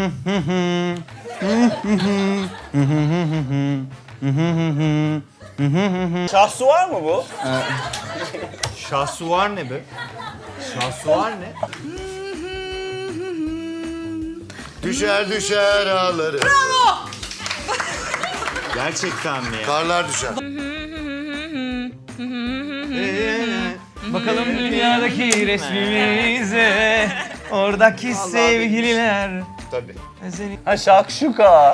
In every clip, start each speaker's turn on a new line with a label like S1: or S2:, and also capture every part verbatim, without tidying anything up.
S1: Şahsuvar mı bu?
S2: Şahsuvar ne be? Şahsuvar ne?
S3: Düşer düşer ağları.
S2: Gerçekten mi ya?
S3: Karlar düşer.
S4: Bakalım dünyadaki resmimize, oradaki sevgililer.
S2: Tabii.
S1: Ha şakşuka.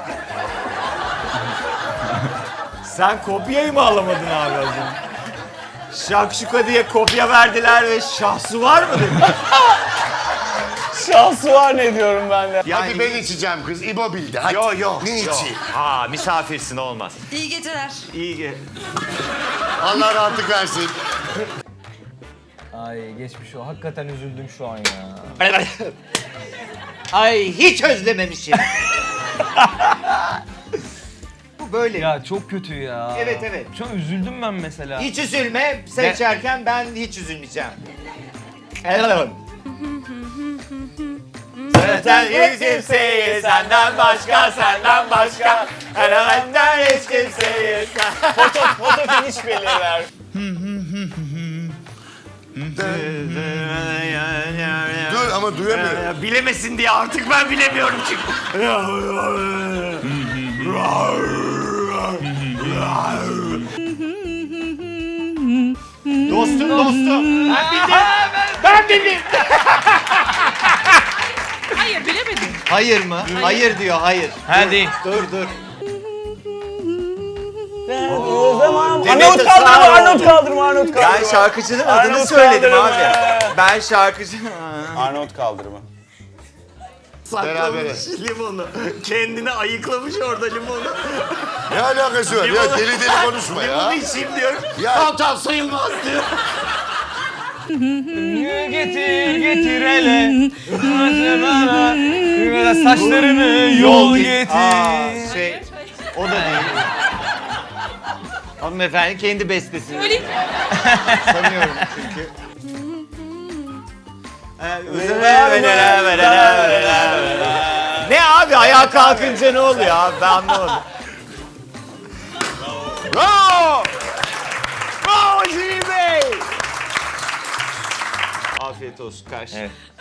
S2: Sen kopyayı mı alamadın abi az önce? Şakşuka diye kopya verdiler ve şahsuvar mı dedin?
S1: Şahsuvar ne diyorum ben de.
S3: Hadi ben içeceğim kız. İbo bildi. Hadi.
S2: Yo yo.
S3: Ne
S2: yo.
S3: içi?
S2: Aa misafirsin olmaz.
S5: İyi geceler.
S2: İyi ge.
S3: Allah rahatlık versin.
S4: Ay geçmiş o. Hakikaten üzüldüm şu an ya.
S2: Ay hiç özlememişim. Bu böyle.
S4: Ya çok kötü ya.
S2: Evet, evet.
S4: Şu an üzüldüm ben mesela.
S2: Hiç üzülme. Seçerken ben hiç üzülmeyeceğim. Sen hiç kimseyi senden başka, senden başka. Benden hiç kimseyi sen...
S1: Foto, foto finish belirler.
S3: Dur ama duyamıyorum.
S2: Ya, bilemesin diye artık ben bilemiyorum çünkü. Dostum dostum. Ben bildim. Ben bildim.
S5: Hayır bilemedim.
S2: Hayır mı? Hayır diyor hayır.
S4: Hadi.
S2: Dur dur.
S1: Arnavut kaldırma, Arnavut kaldırma, Arnavut kaldırma.
S2: Ben şarkıcının adını
S1: Arnavut
S2: söyledim
S1: kaldırma.
S2: abi. Ben şarkıcı...
S1: Arnavut kaldırma.
S3: Berabere.
S2: Saklamış limonu. Kendini ayıklamış orada limonu.
S3: Ne alakası var? Ya deli deli konuşma ya.
S2: Limonu içeyim diyor.
S3: Ya-
S2: Tamam tamam sayılmaz diyor.
S4: Getir getir hele. Saçlarını yol getir.
S2: Aa, şey, o da değil. Hanımefendi kendi bestesi.
S5: Öyle
S2: Sanıyorum çünkü. Ne abi ayağa kalkınca ne oluyor abi ben anlamadım. Bravo! Bravo Jimmy Bey! Afiyet olsun karşı.
S4: Evet.